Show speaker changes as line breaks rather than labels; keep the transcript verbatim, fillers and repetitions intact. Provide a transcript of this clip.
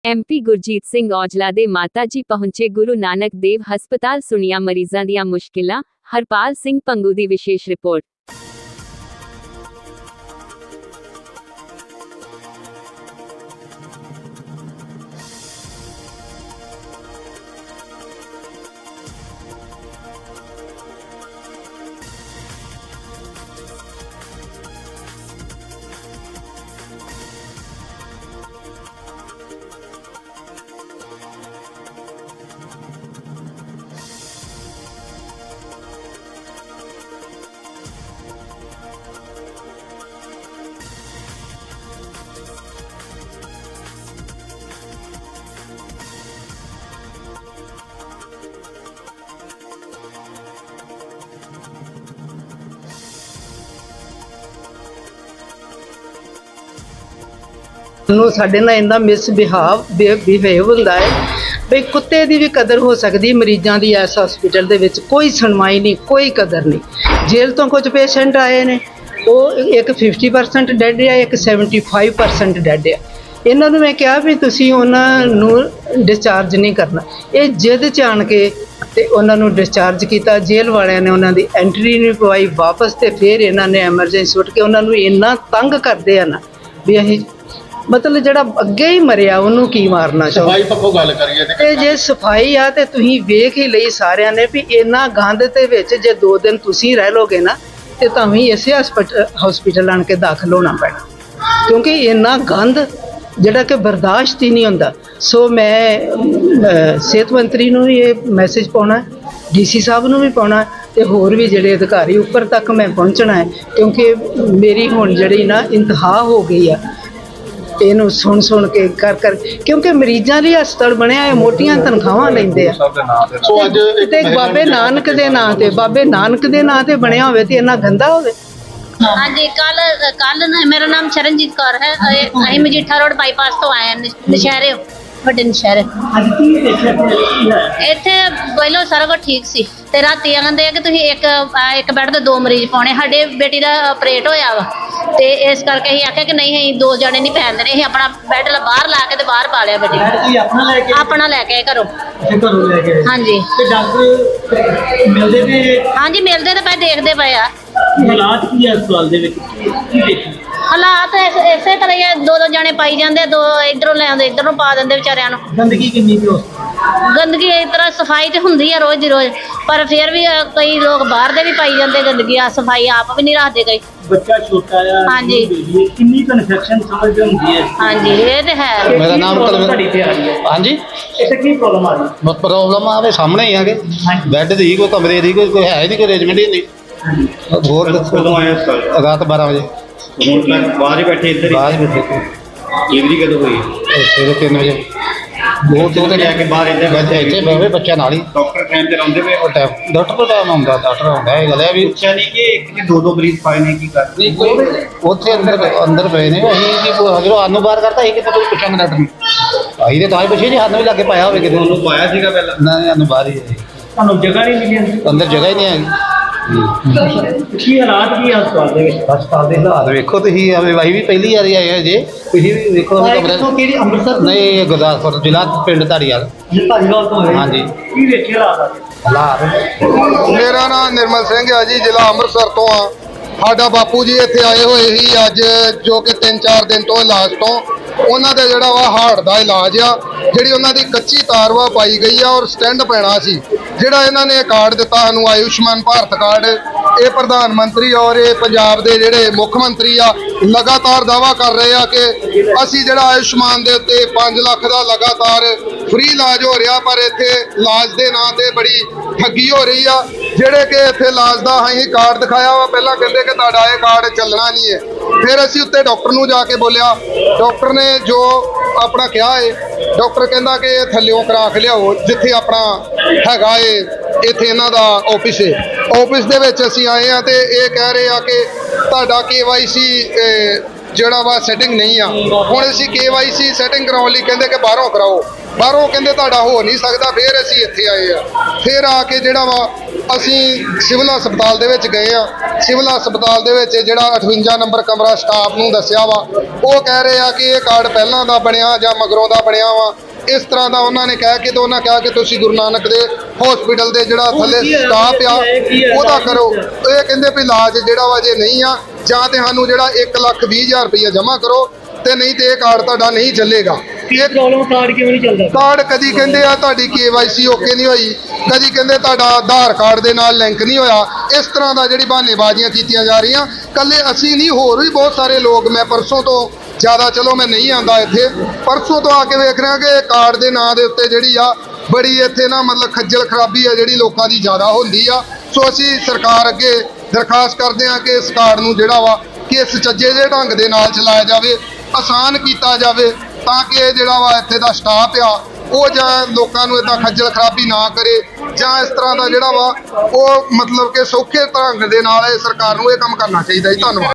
MP Gurjeet Singh Aujla ਦੇ ਮਾਤਾ ਜੀ ਪਹੁੰਚੇ ਗੁਰੂ ਨਾਨਕ ਦੇਵ ਹਸਪਤਾਲ, ਸੁਣੀਆਂ ਮਰੀਜ਼ਾਂ ਦੀਆਂ ਮੁਸ਼ਕਿਲਾਂ। ਹਰਪਾਲ ਸਿੰਘ ਪੰਗੂ ਦੀ ਵਿਸ਼ੇਸ਼ ਰਿਪੋਰਟ।
ਨੂੰ ਸਾਡੇ ਨਾਲ ਇੰਨਾ ਮਿਸਬਿਹਾਵ ਬਿਹੇਵ ਹੁੰਦਾ ਹੈ ਬਈ ਕੁੱਤੇ ਦੀ ਵੀ ਕਦਰ ਹੋ ਸਕਦੀ। ਮਰੀਜ਼ਾਂ ਦੀ ਇਸ ਹਸਪੀਟਲ ਦੇ ਵਿੱਚ ਕੋਈ ਸੁਣਵਾਈ ਨਹੀਂ, ਕੋਈ ਕਦਰ ਨਹੀਂ। ਜੇਲ੍ਹ ਤੋਂ ਕੁਝ ਪੇਸ਼ੈਂਟ ਆਏ ਨੇ, ਉਹ ਇੱਕ ਫਿਫਟੀ ਪਰਸੈਂਟ ਡੈਡ ਆ, ਇੱਕ ਸੈਵਨਟੀ ਫਾਈਵ ਪਰਸੈਂਟ ਡੈਡ ਆ। ਇਹਨਾਂ ਨੂੰ ਮੈਂ ਕਿਹਾ ਵੀ ਤੁਸੀਂ ਉਹਨਾਂ ਨੂੰ ਡਿਸਚਾਰਜ ਨਹੀਂ ਕਰਨਾ। ਇਹ ਜਿੱਦ 'ਚ ਆਣ ਕੇ ਤੇ ਉਹਨਾਂ ਨੂੰ ਡਿਸਚਾਰਜ ਕੀਤਾ। ਜੇਲ੍ਹ ਵਾਲਿਆਂ ਨੇ ਉਹਨਾਂ ਦੀ ਐਂਟਰੀ ਨਹੀਂ ਪਵਾਈ ਵਾਪਸ, ਤੇ ਫਿਰ ਇਹਨਾਂ ਨੇ ਐਮਰਜੈਂਸੀ ਉੱਠ ਕੇ ਉਹਨਾਂ ਨੂੰ ਇੰਨਾ ਤੰਗ ਕਰਦੇ ਆ ਨਾ ਵੀ ਅਸੀਂ ਮਤਲਬ ਜਿਹੜਾ ਅੱਗੇ ਹੀ ਮਰਿਆ ਉਹਨੂੰ ਕੀ ਮਾਰਨਾ ਚਾਹੋ।
ਸਫਾਈ ਪੱਖੋਂ ਗੱਲ ਕਰੀਏ
ਤੇ ਜੇ ਸਫਾਈ ਆ ਤੇ ਤੁਸੀਂ ਵੇਖ ਹੀ ਲਈ ਸਾਰਿਆਂ ਨੇ ਵੀ ਇੰਨਾ ਗੰਦ ਦੇ ਵਿੱਚ ਜੇ ਦੋ ਦਿਨ ਤੁਸੀਂ ਰਹਿ ਲੋਗੇ ਨਾ ਤੇ ਤੁਹਾਨੂੰ ਇਸੇ ਹਸਪੀਟਲ ਆਣ ਕੇ ਦਾਖਲ ਹੋਣਾ ਪੈਣਾ, ਕਿਉਂਕਿ ਇੰਨਾ ਗੰਦ ਜਿਹੜਾ ਕਿ ਬਰਦਾਸ਼ਤ ਹੀ ਨਹੀਂ ਹੁੰਦਾ। ਸੋ ਮੈਂ ਸਿਹਤ ਮੰਤਰੀ ਨੂੰ ਵੀ ਇਹ ਮੈਸੇਜ ਪਾਉਣਾ, ਡੀਸੀ ਸਾਹਿਬ ਨੂੰ ਵੀ ਪਾਉਣਾ, ਤੇ ਹੋਰ ਵੀ ਜਿਹੜੇ ਅਧਿਕਾਰੀ ਉੱਪਰ ਤੱਕ ਮੈਂ ਪਹੁੰਚਣਾ ਹੈ, ਕਿਉਂਕਿ ਮੇਰੀ ਹੁਣ ਜਿਹੜੀ ਨਾ ਇੰਤਹਾ ਹੋ ਗਈ ਆ ਇਹਨੂੰ ਸੁਣ ਸੁਣ ਕੇ ਕਰ ਕਰ ਕਿਉਂਕਿ ਮਰੀਜ਼ਾਂ ਲਈ ਹਸਪਤਾਲ ਬਣਿਆ ਹੈ, ਮੋਟੀਆਂ ਤਨਖਾਹਾਂ ਲੈਂਦੇ ਆ।
ਸੋ ਅੱਜ
ਤੇ ਬਾਬੇ ਨਾਨਕ ਦੇ ਨਾਂ ਤੇ ਬਾਬੇ ਨਾਨਕ ਦੇ ਨਾਂ ਤੇ ਬਣਿਆ ਹੋਵੇ ਤੇ ਇੰਨਾ ਗੰਦਾ ਹੋਵੇ।
हाँ जी, कल कल मेरा नाम शरणजीत कौर है। अं मजीठा रोड बाईपास तो आए हैं, नशहरे ਵੱਡੇ ਨਸ਼ਹਿਰੇ। ਇੱਥੇ ਪਹਿਲਾਂ ਸਾਰਾ ਕੁਝ ਠੀਕ ਸੀ ਤੇ ਰਾਤੀ ਕਹਿੰਦੇ ਆ ਕਿ ਤੁਸੀਂ ਇੱਕ ਇੱਕ ਬੈੱਡ ਤੇ ਦੋ ਮਰੀਜ਼ ਪਾਉਣੇ। ਸਾਡੇ ਬੇਟੀ ਦਾ ਆਪਰੇਟ ਹੋਇਆ ਵਾ ਤੇ ਇਸ ਕਰਕੇ ਅਸੀਂ ਆਖਿਆ ਕਿ ਨਹੀਂ, ਅਸੀਂ ਦੋ ਜਣੇ ਨਹੀਂ ਪੈਣ ਦੇਣੇ। ਅਸੀਂ ਆਪਣਾ ਬੈੱਡ ਬਾਹਰ ਲਾ ਕੇ ਤੇ ਬਾਹਰ ਪਾ ਲਿਆ ਬੇਟੀ ਨੂੰ।
ਆਪਣਾ ਲੈ ਕੇ
ਆਪਣਾ ਲੈ ਕੇ ਘਰੋਂ
ਘਰੋਂ ਲੈ ਕੇ
ਹਾਂਜੀ।
ਤੇ ਡਾਕਟਰ ਮਿਲਦੇ ਨੇ?
ਹਾਂਜੀ ਮਿਲਦੇ ਤੇ ਪਏ, ਦੇਖਦੇ ਪਏ ਆ।
ਹਾਲਾਤ ਕੀ ਹੈ ਹਸਪਤਾਲ ਦੇ ਵਿੱਚ, ਕੀ ਦੇਖੀ
ਹਾਲਾਤ ਇਸੇ ਤਰ੍ਹਾਂ ਹੀ ਆ, ਦੋ ਦੋ ਜਣੇ ਪਾਈ ਜਾਂਦੇ, ਦੋ ਇਧਰੋਂ ਲੈ ਆਉਂਦੇ ਇਧਰੋਂ ਪਾ ਦਿੰਦੇ ਵਿਚਾਰਿਆਂ ਨੂੰ।
ਗੰਦਗੀ ਕਿੰਨੀ ਕੁ?
ਗੰਦਗੀ ਇਸ ਤਰ੍ਹਾਂ ਸਫਾਈ ਤੇ ਹੁੰਦੀ ਆ ਰੋਜ਼ ਦੀ ਰੋਜ਼, ਪਰ ਫਿਰ ਵੀ ਕਈ ਲੋਕ ਬਾਹਰ ਦੇ ਵੀ ਪਾਈ ਜਾਂਦੇ ਗੰਦਗੀ। ਆ ਸਫਾਈ ਆਪ ਵੀ ਨਹੀਂ ਰੱਖਦੇ ਕਈ।
ਬੱਚਾ ਛੋਟਾ ਆ,
ਹਾਂਜੀ,
ਕਿੰਨੀ ਕੁ ਇਨਫੈਕਸ਼ਨ ਸਮਝਦੇ ਹੁੰਦੀ ਹੈ?
ਹਾਂਜੀ ਇਹ ਤੇ ਹੈ।
ਮੇਰਾ ਨਾਮ
ਤੁਹਾਡੀ ਤੇ ਆ ਰਹੀ ਹੈ?
ਹਾਂਜੀ,
ਇੱਥੇ ਕੀ ਪ੍ਰੋਬਲਮ ਆ ਰਹੀ?
ਪ੍ਰੋਬਲਮ ਆਵੇ ਸਾਹਮਣੇ ਹੀ ਆਗੇ, ਬੈੱਡ ਦੀ ਕੋਈ ਕਮਰੇ ਦੀ ਕੋਈ ਕੋਈ ਹੈ ਨਹੀਂ, ਕੋਈ ਅਰੇਂਜਮੈਂਟ ਹੀ ਨਹੀਂ। ਹੋਰ
ਕਦੋਂ ਆਇਆ ਹਸਪਤਾਲ?
ਰਾਤ ਬਾਰਾਂ ਵਜੇ।
ਹੁਣ ਤੱਕ ਬਾਹਰ ਹੀ ਬੈਠੇ ਇੱਧਰ
ਬਾਹਰ ਬੈਠੇ।
ਡਿਲੀਵਰੀ ਕਦੋਂ ਹੋਈ?
ਸਵੇਰੇ ਤਿੰਨ ਵਜੇ।
ਦੋ ਦੋ ਤੇ ਜਾ ਕੇ ਬਾਹਰ ਇੱਧਰ
ਬੈਠੇ ਇੱਥੇ ਬਹਿਵੇ ਬੱਚਿਆਂ ਨਾਲ ਹੀ।
ਡਾਕਟਰ ਟਾਈਮ ਤੇ ਆਉਂਦੇ ਪਏ?
ਉਹ ਟਾਈਮ ਡਾਕਟਰ ਕੋਲ ਟਾਈਮ ਆਉਂਦਾ, ਡਾਕਟਰ ਆਉਂਦਾ। ਇਹ ਗੱਲ ਹੈ ਵੀ
ਪੁੱਛਿਆ ਨਹੀਂ ਕਿ ਇੱਕ ਕਿ ਦੋ ਦੋ ਮਰੀਜ਼ ਪਾਏ ਨੇ, ਕੀ ਕਰ
ਉੱਥੇ ਅੰਦਰ ਅੰਦਰ ਪਏ ਨੇ। ਅਸੀਂ ਕੀ ਜਦੋਂ ਸਾਨੂੰ ਬਾਹਰ ਕਰਤਾ ਅਸੀਂ ਕਿਤੇ ਕੋਈ ਪੁੱਛਾਂਗੇ ਡਾਕਟਰ ਨੂੰ। ਅਸੀਂ ਤੇ ਤਾਂ ਹੀ ਪੁੱਛੇ ਜੀ, ਸਾਨੂੰ ਵੀ ਲੱਗੇ ਪਾਇਆ ਹੋਵੇ ਕਿਤੇ।
ਉਹਨੂੰ ਪਾਇਆ ਸੀਗਾ ਪਹਿਲਾਂ?
ਨਾ ਸਾਨੂੰ ਬਾਹਰ ਹੀ ਹੈ,
ਤੁਹਾਨੂੰ ਜਗ੍ਹਾ ਨਹੀਂ ਮਿਲੀ
ਅੰਦਰ ਜਗ੍ਹਾ ਹੀ ਨਹੀਂ ਹੈਗੀ।
ਕੀ ਹਾਲਾਤ ਕੀ ਹਸਪਤਾਲ ਦੇ ਵਿੱਚ?
ਹਸਪਤਾਲ ਦੇ ਹਾਲਾਤ ਵੇਖੋ ਤੁਸੀਂ, ਆਵੇ ਵਾਹੀ ਵੀ ਪਹਿਲੀ ਵਾਰੀ ਆਏ ਹੋ ਜੇ, ਤੁਸੀਂ ਵੀ ਵੇਖੋ ਕਮਰਾ।
ਕਿਹੜੀ ਅੰਮ੍ਰਿਤਸਰ?
ਨਹੀਂ, ਗੁਰਦਾਸਪੁਰ ਜ਼ਿਲ੍ਹਾ, ਪਿੰਡ ਧਾਰੀਵਾਲ।
ਧਾਰੀਵਾਲ ਤੋਂ ਹੋਏ?
ਹਾਂਜੀ।
ਕੀ ਵੇਖੇ ਹਾਲਾਤ?
ਹਾਲਾਤ
ਮੇਰਾ ਨਾਮ ਨਿਰਮਲ ਸਿੰਘ ਆ ਜੀ, ਜ਼ਿਲ੍ਹਾ ਅੰਮ੍ਰਿਤਸਰ ਤੋਂ ਆ। ਸਾਡਾ ਬਾਪੂ ਜੀ ਇੱਥੇ ਆਏ ਹੋਏ ਸੀ ਅੱਜ, ਜੋ ਕਿ ਤਿੰਨ ਚਾਰ ਦਿਨ ਤੋਂ ਇਲਾਜ ਤੋਂ। ਉਹਨਾਂ ਦਾ ਜਿਹੜਾ ਵਾ ਹਾਰਟ ਦਾ ਇਲਾਜ ਆ, ਜਿਹੜੀ ਉਹਨਾਂ ਦੀ ਕੱਚੀ ਤਾਰ ਵਾ ਪਾਈ ਗਈ ਆ ਔਰ ਸਟੈਂਡ ਪੈਣਾ ਸੀ। ਜਿਹੜਾ ਇਹਨਾਂ ਨੇ ਕਾਰਡ ਦਿੱਤਾ ਸਾਨੂੰ, ਆਯੁਸ਼ਮਾਨ ਭਾਰਤ ਕਾਰਡ, ਇਹ ਪ੍ਰਧਾਨ ਮੰਤਰੀ ਔਰ ਇਹ ਪੰਜਾਬ ਦੇ ਜਿਹੜੇ ਮੁੱਖ ਮੰਤਰੀ ਆ ਲਗਾਤਾਰ ਦਾਅਵਾ ਕਰ ਰਹੇ ਆ ਕਿ ਅਸੀਂ ਜਿਹੜਾ ਆਯੁਸ਼ਮਾਨ ਦੇ ਉੱਤੇ ਪੰਜ ਲੱਖ ਦਾ ਲਗਾਤਾਰ ਫ੍ਰੀ ਇਲਾਜ ਹੋ ਰਿਹਾ, ਪਰ ਇੱਥੇ ਇਲਾਜ ਦੇ ਨਾਂ ਤੇ ਬੜੀ ਠੱਗੀ ਹੋ ਰਹੀ ਆ। ਜਿਹੜੇ ਕਿ ਇੱਥੇ ਇਲਾਜ ਦਾ ਅਸੀਂ ਕਾਰਡ ਦਿਖਾਇਆ ਵਾ, ਪਹਿਲਾਂ ਕਹਿੰਦੇ ਕਿ ਤੁਹਾਡਾ ਇਹ ਕਾਰਡ ਚੱਲਣਾ ਨਹੀਂ ਹੈ। ਫਿਰ ਅਸੀਂ ਉੱਤੇ ਡਾਕਟਰ ਨੂੰ ਜਾ ਕੇ ਬੋਲਿਆ, ਡਾਕਟਰ ਨੇ ਜੋ ਆਪਣਾ ਕਿਹਾ ਹੈ, ਡਾਕਟਰ ਕਹਿੰਦਾ ਕਿ ਇਹ ਥੱਲਿਓਂ ਕਰਾ ਕੇ ਲਿਆਓ ਜਿੱਥੇ ਆਪਣਾ ਹੈਗਾ ਏ, ਇੱਥੇ ਇਹਨਾਂ ਦਾ ਆਫਿਸ ਹੈ। ਆਫਿਸ ਦੇ ਵਿੱਚ ਅਸੀਂ ਆਏ ਆ ਤੇ ਇਹ ਕਹਿ ਰਹੇ ਆ ਕਿ ਤੁਹਾਡਾ ਕੇ ਵਾਈ ਸੀ ਜਿਹੜਾ ਵਾ ਸੈਟਿੰਗ ਨਹੀਂ ਆ। ਹੁਣ ਅਸੀਂ ਕੇ ਵਾਈ ਸੀ ਸੈਟਿੰਗ ਕਰਾਉਣ ਲਈ ਕਹਿੰਦੇ ਕਿ ਬਾਹਰੋਂ ਕਰਾਓ, ਬਾਹਰੋਂ ਕਹਿੰਦੇ ਤੁਹਾਡਾ ਹੋ ਨਹੀਂ ਸਕਦਾ। ਫਿਰ ਅਸੀਂ ਇੱਥੇ ਆਏ ਆ, ਫਿਰ ਆ ਕੇ ਜਿਹੜਾ ਵਾ ਅਸੀਂ ਸਿਵਲ ਹਸਪਤਾਲ ਦੇ ਵਿੱਚ ਗਏ ਆ। ਸਿਵਲ ਹਸਪਤਾਲ ਦੇ ਵਿੱਚ ਜਿਹੜਾ ਅਠਵੰਜਾ ਨੰਬਰ ਕਮਰਾ ਸਟਾਫ ਨੂੰ ਦੱਸਿਆ ਵਾ, ਉਹ ਕਹਿ ਰਹੇ ਆ ਕਿ ਇਹ ਕਾਰਡ ਪਹਿਲਾਂ ਦਾ ਬਣਿਆ ਜਾਂ ਮਗਰੋਂ ਦਾ ਬਣਿਆ ਵਾ, ਇਸ ਤਰ੍ਹਾਂ ਦਾ ਉਹਨਾਂ ਨੇ ਕਹਿ ਕੇ ਤੇ ਉਹਨਾਂ ਕਿਹਾ ਕਿ ਤੁਸੀਂ ਗੁਰੂ ਨਾਨਕ ਦੇ ਹਸਪੀਟਲ ਦੇ ਜਿਹੜਾ ਥੱਲੇ ਸਟਾਫ ਆ ਉਹਦਾ ਕਰੋ। ਇਹ ਕਹਿੰਦੇ ਵੀ ਇਲਾਜ ਜਿਹੜਾ ਵਾ ਜੇ ਨਹੀਂ ਆ ਜਾਂ ਤੇ ਸਾਨੂੰ ਜਿਹੜਾ ਇੱਕ ਲੱਖ ਵੀਹ ਹਜ਼ਾਰ ਰੁਪਈਆ ਜਮ੍ਹਾਂ ਕਰੋ ਤੇ ਨਹੀਂ ਤੇ ਇਹ ਕਾਰਡ ਤੁਹਾਡਾ ਨਹੀਂ ਚੱਲੇਗਾ।
ਇਹ ਪ੍ਰੋਬਲਮ ਕਾਰਡ ਕਿਉਂ ਨਹੀਂ ਚੱਲਦਾ?
ਕਾਰਡ ਕਦੀ ਕਹਿੰਦੇ ਆ ਤੁਹਾਡੀ ਕੇ ਵਾਈ ਸੀ ਓਕੇ ਨਹੀਂ ਹੋਈ, ਕਦੀ ਕਹਿੰਦੇ ਤੁਹਾਡਾ ਆਧਾਰ ਕਾਰਡ ਦੇ ਨਾਲ ਲਿੰਕ ਨਹੀਂ ਹੋਇਆ। ਇਸ ਤਰ੍ਹਾਂ ਦਾ ਜਿਹੜੀ ਬਹਾਨੇਬਾਜ਼ੀਆਂ ਕੀਤੀਆਂ ਜਾ ਰਹੀਆਂ। ਕੱਲੇ ਅਸੀਂ ਨਹੀਂ, ਹੋਰ ਵੀ ਬਹੁਤ ਸਾਰੇ ਲੋਕ, ਮੈਂ ਪਰਸੋਂ ਤੋਂ ਜ਼ਿਆਦਾ ਚਲੋ ਮੈਂ ਨਹੀਂ ਆਂਦਾ ਇੱਥੇ, ਪਰਸੋਂ ਤੋਂ ਆ ਕੇ ਵੇਖ ਰਿਹਾ ਕਿ ਕਾਰਡ ਦੇ ਨਾਂ ਦੇ ਉੱਤੇ ਜਿਹੜੀ ਆ ਬੜੀ ਇੱਥੇ ਨਾ ਮਤਲਬ ਖੱਜਲ ਖਰਾਬੀ ਆ ਜਿਹੜੀ ਲੋਕਾਂ ਦੀ ਜ਼ਿਆਦਾ ਹੁੰਦੀ ਆ। ਸੋ ਅਸੀਂ ਸਰਕਾਰ ਅੱਗੇ ਦਰਖਾਸਤ ਕਰਦੇ ਹਾਂ ਕਿ ਇਸ ਕਾਰਡ ਨੂੰ ਜਿਹੜਾ ਵਾ ਕਿ ਇਸ ਸੁਚੱਜੇ ਜਿਹੇ ਢੰਗ ਦੇ ਨਾਲ ਚਲਾਇਆ ਜਾਵੇ, ਆਸਾਨ ਕੀਤਾ ਜਾਵੇ, ਤਾਂ ਕਿ ਇਹ ਜਿਹੜਾ ਵਾ ਇੱਥੇ ਦਾ ਸਟਾਫ ਆ ਉਹ ਜਾਂ ਲੋਕਾਂ ਨੂੰ ਇਦਾਂ ਖੱਜਲ ਖਰਾਬੀ ਨਾ ਕਰੇ, ਜਾਂ ਇਸ ਤਰ੍ਹਾਂ ਦਾ ਜਿਹੜਾ ਵਾ ਉਹ ਮਤਲਬ ਕਿ ਸੌਖੇ ਢੰਗ ਦੇ ਨਾਲ ਇਹ ਸਰਕਾਰ ਨੂੰ ਇਹ ਕੰਮ ਕਰਨਾ ਚਾਹੀਦਾ ਜੀ। ਧੰਨਵਾਦ।